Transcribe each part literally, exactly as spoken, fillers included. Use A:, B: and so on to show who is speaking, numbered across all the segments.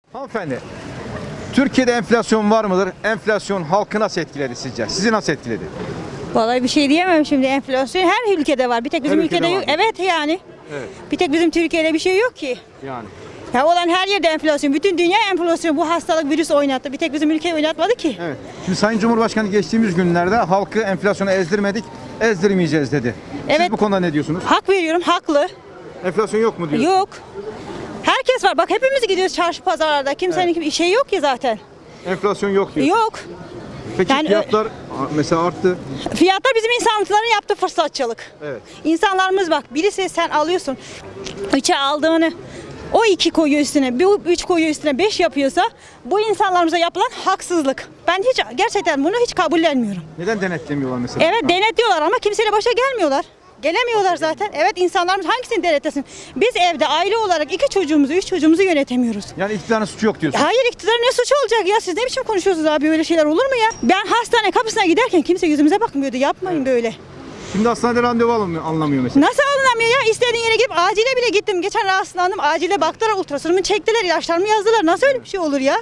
A: Hanımefendi, Türkiye'de enflasyon var mıdır? Enflasyon halkı nasıl etkiledi sizce? Sizi nasıl etkiledi?
B: Vallahi bir şey diyemem şimdi, enflasyon her ülkede var. Bir tek bizim
A: Her ülkede
B: ülkede yok.
A: var.
B: Evet yani.
A: Evet.
B: Bir tek bizim Türkiye'de bir şey yok ki.
A: Yani.
B: Ya olan her yerde enflasyon. Bütün dünya enflasyon. Bu hastalık virüs oynattı. Bir tek bizim ülkeyi oynatmadı ki.
A: Evet. Şimdi Sayın Cumhurbaşkanı geçtiğimiz günlerde halkı enflasyona ezdirmedik, ezdirmeyeceğiz dedi. Siz
B: Evet.
A: bu konuda ne diyorsunuz?
B: Hak veriyorum, haklı.
A: Enflasyon yok mu diyorsunuz?
B: Yok. Herkes var. Bak hepimiz gidiyoruz çarşı pazarlarda. Kimsenin bir şey yok ki zaten.
A: Enflasyon yok diyor.
B: Yok.
A: Peki
B: Yani-
A: fiyatlar mesela arttı.
B: Fiyatlar bizim insanların yaptığı fırsatçılık.
A: Evet.
B: İnsanlarımız bak, birisi sen alıyorsun, üçe aldığını o iki koyuyor üstüne, bu üç koyuyor üstüne, beş yapıyorsa bu insanlarımıza yapılan haksızlık. Ben hiç gerçekten bunu hiç kabullenmiyorum.
A: Neden denetlemiyorlar mesela?
B: Evet denetliyorlar ama kimseyle başa gelmiyorlar. Gelemiyorlar zaten. Evet insanlarımız hangisini denetlesin? Biz evde aile olarak iki çocuğumuzu, üç çocuğumuzu yönetemiyoruz.
A: Yani iktidarın suçu yok diyorsun.
B: Hayır iktidar ne suçu olacak ya? Siz ne biçim konuşuyorsunuz abi? Öyle şeyler olur mu ya? Ben hastane kapısına giderken kimse yüzümüze bakmıyordu. Yapmayın böyle.
A: Şimdi hastanede randevu alınmıyor, alınamıyor mesela.
B: Nasıl alınamıyor ya? İstediğin yere gidip acile bile gittim. Geçen rahatsızlandım. Acile baktılar, ultrasonumu çektiler, ilaçlarımı yazdılar. Nasıl öyle bir şey olur ya?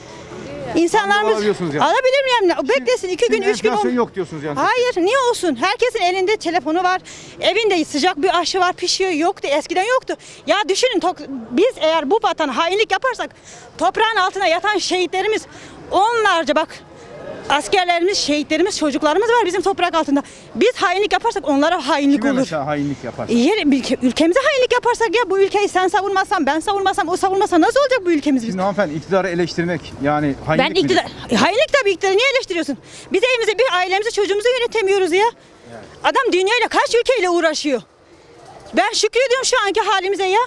B: İnsanlarımız
A: alabiliyorsunuz yani.
B: alabilir mi yani? Beklesin iki gün,
A: Şimdi
B: üç gün.
A: enflasyon
B: ol-
A: yok diyorsunuz yani.
B: Hayır, niye olsun? Herkesin elinde telefonu var. Evinde sıcak bir aşı var, pişiyor. Yoktu, eskiden yoktu. Ya düşünün, tok- biz eğer bu vatana hainlik yaparsak toprağın altına yatan şehitlerimiz onlarca bak askerlerimiz, şehitlerimiz, çocuklarımız var bizim toprak altında. Biz hainlik yaparsak onlara hainlik
A: Kime
B: olur.
A: mesela hainlik yapar?
B: Yer, ülke- ülkemize hainlik yaparsak ya bu ülkeyi sen savunmazsan, ben savunmasam, o savunmasa nasıl olacak bu ülkemiz bizim?
A: Şimdi hanımefendi iktidarı eleştirmek yani hainlik
B: Ben
A: midir?
B: iktidar, E, hainlik tabii iktidarı niye eleştiriyorsun? Biz evimizi, bir ailemizi, çocuğumuzu yönetemiyoruz ya. Adam dünyayla kaç ülkeyle uğraşıyor? Ben şükrediyorum şu anki halimize ya.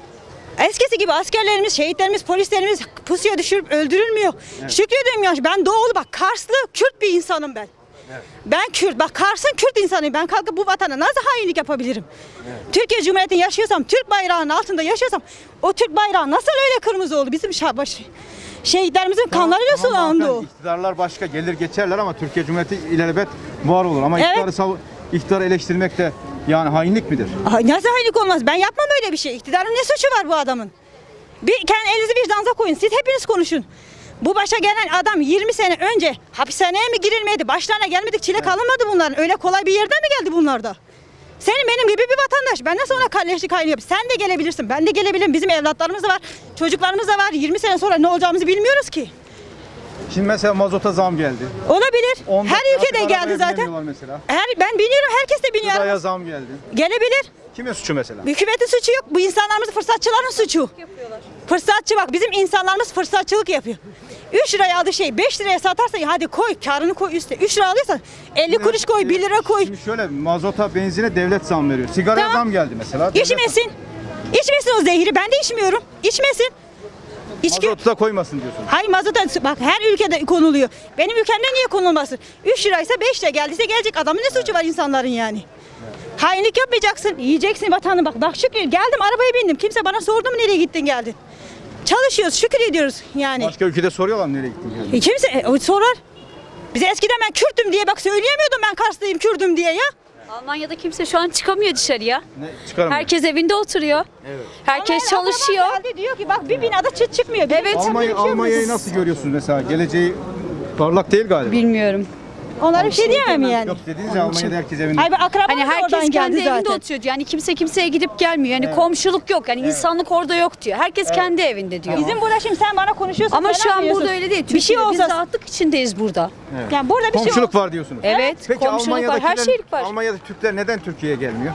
B: Eskisi gibi askerlerimiz, şehitlerimiz, polislerimiz pusuya düşürüp öldürülmüyor. Şükrediyorum ya. Ben doğulu bak Karslı, Kürt bir insanım ben. Ben Kürt, bak Kars'ın Kürt insanıyım. Ben kalkıp bu vatana nasıl hainlik yapabilirim? Türkiye Cumhuriyeti'nde yaşıyorsam, Türk bayrağının altında yaşıyorsam o Türk bayrağı nasıl öyle kırmızı oldu? Bizim şabaş şehitlerimizin kanlarıyla
A: Tamam
B: sulandı o.
A: hanımefendi, İktidarlar başka gelir geçerler ama Türkiye Cumhuriyeti ilelebet var olur. Ama
B: Evet.
A: iktidarı, sav- iktidarı eleştirmek de yani hainlik midir?
B: Ay, nasıl hainlik olmaz? Ben yapmam öyle bir şey. İktidarın ne suçu var bu adamın? Bir kendi elinizi vicdanınıza koyun. Siz hepiniz konuşun. Bu başa gelen adam yirmi sene önce hapishaneye mi girilmedi? Başlarına gelmedik, çile kalınmadı bunların. Öyle kolay bir yerden mi geldi bunlar da? Senin benim gibi bir vatandaş. Ben nasıl ona kalleşlik haini yapayım? Sen de gelebilirsin. Ben de gelebilirim. Bizim evlatlarımız da var. Çocuklarımız da var. yirmi sene sonra ne olacağımızı bilmiyoruz ki.
A: Şimdi mesela mazota zam geldi.
B: Olabilir.
A: Onda
B: Her ülkede
A: artık
B: geldi
A: arabaya
B: zaten.
A: binemiyorlar mesela.
B: Her, ben biniyorum. Herkes de biniyor.
A: Gıdaya zam geldi.
B: Gelebilir.
A: Kime suçu mesela?
B: Hükümetin suçu yok. Bu insanlarımız fırsatçıların suçu. Fırsatçı bak bizim insanlarımız fırsatçılık yapıyor. üç liraya aldığı şey beş liraya satarsan hadi koy karını koy üstüne. üç lira alıyorsan elli kuruş koy, bir lira koy.
A: Şimdi şöyle mazota, benzine devlet zam veriyor. Sigaraya
B: Tamam.
A: zam geldi mesela. Devlet-
B: İçmesin. İçmesin o zehri. Ben de içmiyorum. İçmesin. İçki...
A: Mazotu da koymasın diyorsun.
B: Hayır mazota bak her ülkede konuluyor. Benim ülkemde niye konulmasın? üç liraysa beş lira geldiyse gelecek. Adamın ne suçu var insanların yani? Hainlik yapmayacaksın. Yiyeceksin vatanı bak. Bak şükür geldim arabaya bindim. Kimse bana sordu mu nereye gittin geldin? Çalışıyoruz şükür ediyoruz yani.
A: Başka ülkede soruyorlar mı nereye gittin yani?
B: E kimse e, o sorar. Bize eskiden ben Kürt'üm diye bak söyleyemiyordum ben Karslıyım Kürdüm diye ya.
C: Almanya'da kimse şu an çıkamıyor dışarıya.
A: Ne çıkaramıyor.
C: Herkes evinde oturuyor.
A: Evet.
C: Herkes
B: Almanya'da
C: çalışıyor.
B: akrabam geldi, diyor ki bak bir binada çıt çıkmıyor.
C: Evet.
A: Almanya, Almanya'yı nasıl görüyorsunuz mesela? Geleceği parlak değil galiba.
C: Bilmiyorum.
B: Onlara bir şey diyemem yani.
A: Yok dediniz ya Almanya'da herkes evinde.
B: Ay ben akrabam
C: Hani
B: da
C: herkes
B: oradan
C: kendi
B: geldi
C: evinde
B: zaten.
C: oturuyor. Yani kimse kimseye gidip gelmiyor. Yani komşuluk yok. Yani insanlık orada yok diyor. Herkes kendi evinde diyor.
B: Bizim burada şimdi sen bana konuşuyorsun.
C: Ama
B: sen
C: şu an
B: anlıyorsun.
C: burada öyle değil.
B: Bir şey
C: Türkiye'de biz
B: olsa.
C: rahatlık içindeyiz burada.
B: Yani burada bir şey
A: Komşuluk
B: olsa.
A: var diyorsunuz.
C: Evet.
A: Peki
C: komşuluk var. Her
A: Almanya'dakiler,
C: şeylik var.
A: Almanya'da Türkler neden Türkiye'ye gelmiyor?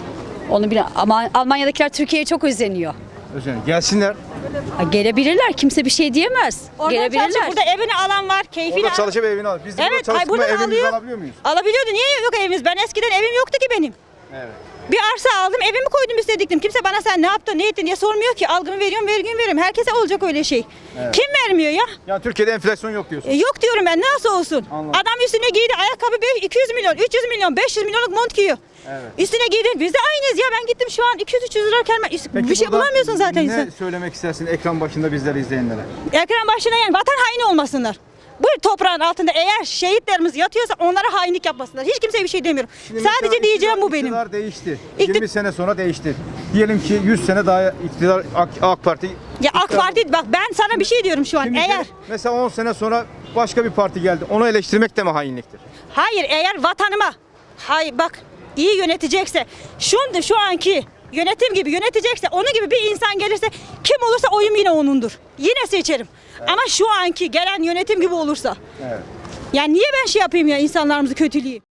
C: Onu bile ama Almanya'dakiler Türkiye'ye çok özeniyor.
A: Özellikle gelsinler.
C: Ha, gelebilirler. Kimse bir şey diyemez.
B: Oradan çalışıp
C: Gelebilirler.
B: burada evini alan var. Keyfini
A: Orada
B: al-
A: çalışıp evini al. Biz de
B: Evet,
A: burada
B: ay
A: çalışıp
B: buradan
A: evimizi
B: alıyor.
A: alabiliyor muyuz?
B: Alabiliyordu. Niye yok evimiz? Ben eskiden evim yoktu ki benim.
A: Evet.
B: Bir arsa aldım, evimi koydum üstlediktim. Kimse bana sen ne yaptın, ne ettin diye sormuyor ki. Algımı veriyorum, vergimi veriyorum. Herkese olacak öyle şey. Kim vermiyor ya?
A: Yani Türkiye'de enflasyon yok diyorsun.
B: E, yok diyorum ben, nasıl olsun?
A: Anladım.
B: Adam üstüne giydi ayakkabı beş- iki yüz milyon, üç yüz milyon, beş yüz milyonluk mont giyiyor.
A: Evet.
B: Üstüne giydi. Biz de aynıyız ya. Ben gittim şu an iki yüz üç yüz lira kelime.
A: Peki
B: Bir şey
A: burada
B: bulamıyorsun zaten
A: ne
B: insan.
A: söylemek istersin ekran başında bizleri izleyenlere?
B: Ekran başına yani vatan haini olmasınlar. Bu toprağın altında eğer şehitlerimiz yatıyorsa onlara hainlik yapmasınlar. Hiç kimseye bir şey demiyorum.
A: Şimdi
B: Sadece
A: mesela
B: diyeceğim
A: iktidar-
B: bu benim.
A: İktidar değişti.
B: İkti-
A: yirmi sene sonra değişti. Diyelim ki yüz sene daha iktidar AK, AK Parti.
B: Ya AK
A: iktidar-
B: Parti bak ben sana bir şey diyorum şu an.
A: Şimdi
B: Eğer
A: mesela on sene sonra başka bir parti geldi. Onu eleştirmek de mi hainliktir?
B: hayır eğer vatanıma hayır bak iyi yönetecekse şu şu anki yönetim gibi yönetecekse onun gibi bir insan gelirse kim olursa oyum yine onundur. Yine seçerim. Ama şu anki gelen yönetim gibi olursa.
A: Evet.
B: Yani niye ben şey yapayım ya insanlarımızı kötüleyeyim?